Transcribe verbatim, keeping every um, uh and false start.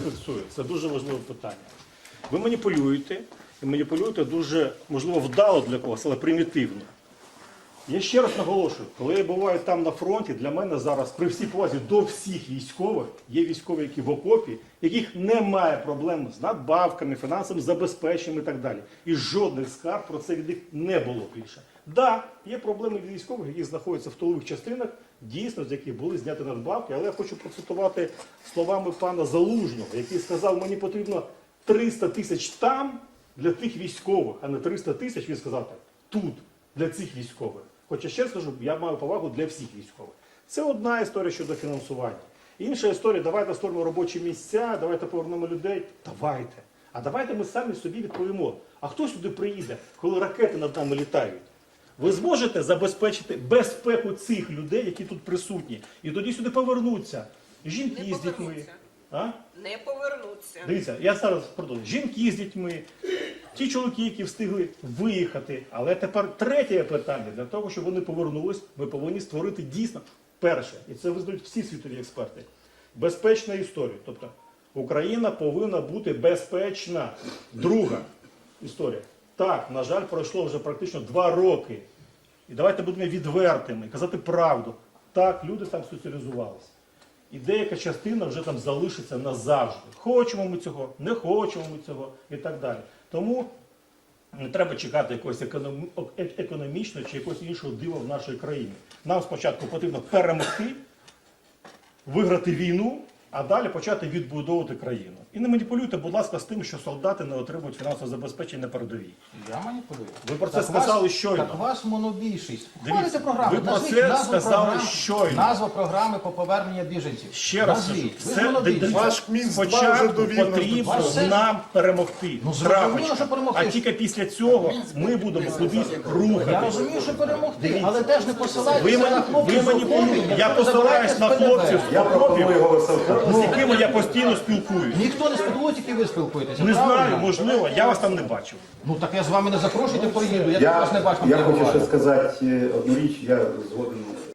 фіксую. Це дуже важливе питання. Ви маніпулюєте, і маніпулюєте дуже, можливо, вдало для когось, але примітивно. Я ще раз наголошую, коли я буваю там на фронті, для мене зараз, при всій повазі до всіх військових, є військові, які в окопі, яких немає проблем з надбавками, фінансовим забезпеченням і так далі. І жодних скарг про це від них не було більше. Так, да, є проблеми від військових, які знаходяться в тилових частинах, дійсно, з яких були зняті надбавки, але я хочу процитувати словами пана Залужного, який сказав, мені потрібно триста тисяч там для тих військових, а не триста тисяч, він сказав так, тут, для цих військових. Хоча ще раз кажу, я маю повагу для всіх військових. Це одна історія щодо фінансування. Інша історія, давайте створимо робочі місця, давайте повернемо людей. Давайте. А давайте ми самі собі відповімо. А хто сюди приїде, коли ракети над нами літають? Ви зможете забезпечити безпеку цих людей, які тут присутні? І тоді сюди повернуться жінки Не з дітьми. повернуться. А? Не повернуться. Дивіться, я зараз продовжую. Жінки з дітьми, ті чоловіки, які встигли виїхати. Але тепер третє питання. Для того, щоб вони повернулись, ми повинні створити дійсно перше. І це визнають всі світові експерти. Безпечна історія. Тобто Україна повинна бути безпечна. Друга історія. Так, на жаль, пройшло вже практично два роки. І давайте будемо відвертими, казати правду. Так, люди там соціалізувалися. І деяка частина вже там залишиться назавжди. Хочемо ми цього, не хочемо ми цього і так далі. Тому не треба чекати якогось економ... економічного чи якогось іншого дива в нашій країні. Нам спочатку потрібно перемогти, виграти війну, а далі почати відбудовувати країну. І не маніпулюйте, будь ласка, з тим, що солдати не отримують фінансове забезпечення на передовій. Я маніпулюю. Ви про це Так сказали вас, щойно. Так вас монобільшість. Дивіться, Хвалите програму. ви про Назвіть це назву сказали програм, щойно. Назва програми по поверненню біженців. Ще раз кажу, Назвіть. Ви ж це монобільшість. Ваш Мінськ два вже спочатку довів нас до потрібно цього. Ваш нам перемогти. Ну, зрозуміло, Крапочка. що перемогти. А тільки після цього ми будемо кудись Я рухатися. розумію, що перемогти, але теж не посилайтеся Ви, на мені- хлопців. ви з маніпулюєте. окопів, Я які посилаюсь на забирають хлопців з Я пропоную окопів, голосувати. з якими я постійно спілкуюсь. Ніхто не спілкує, тільки ви спілкуєтеся. Не правильно? знаю, можливо, я вас там не бачив. Ну так я з вами не запрошуйте, поїду. Я, Я, також не бачу. я де хочу буває. ще сказати е, одну річ, я згоден